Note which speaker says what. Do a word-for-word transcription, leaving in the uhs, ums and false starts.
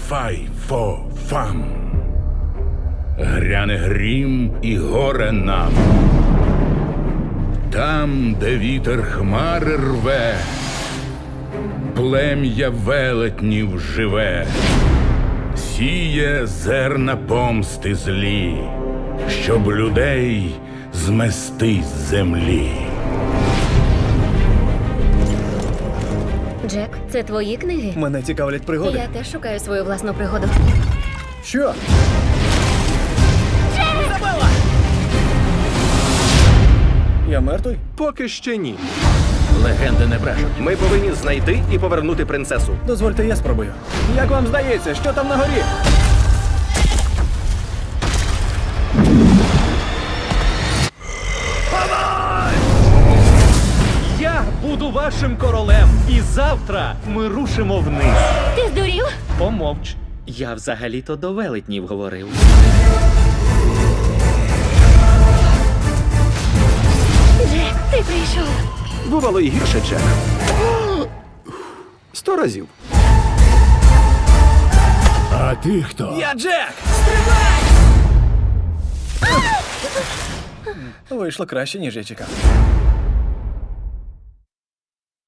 Speaker 1: Фай фо фам. Гряне грім і горе нам. Там, де вітер хмари рве, плем'я велетнів живе, сіє зерна помсти злі, щоб людей змести з землі.
Speaker 2: Джек, це твої книги?
Speaker 3: Мене цікавлять пригоди.
Speaker 2: Я теж шукаю свою власну пригоду.
Speaker 3: Що? Я мертвий?
Speaker 4: Поки ще ні.
Speaker 5: Легенди не брешуть.
Speaker 4: Ми повинні знайти і повернути принцесу.
Speaker 3: Дозвольте, я спробую. Як вам здається, що там на горі?
Speaker 6: Я буду вашим королем, і завтра ми рушимо вниз.
Speaker 2: Ти здурів?
Speaker 6: Помовч. Я взагалі-то до велетнів говорив.
Speaker 2: Джек, ти прийшов.
Speaker 4: Бувало і гірше, Джек. Сто разів.
Speaker 1: А ти хто?
Speaker 3: Я Джек! Вийшло краще, ніж я чекав.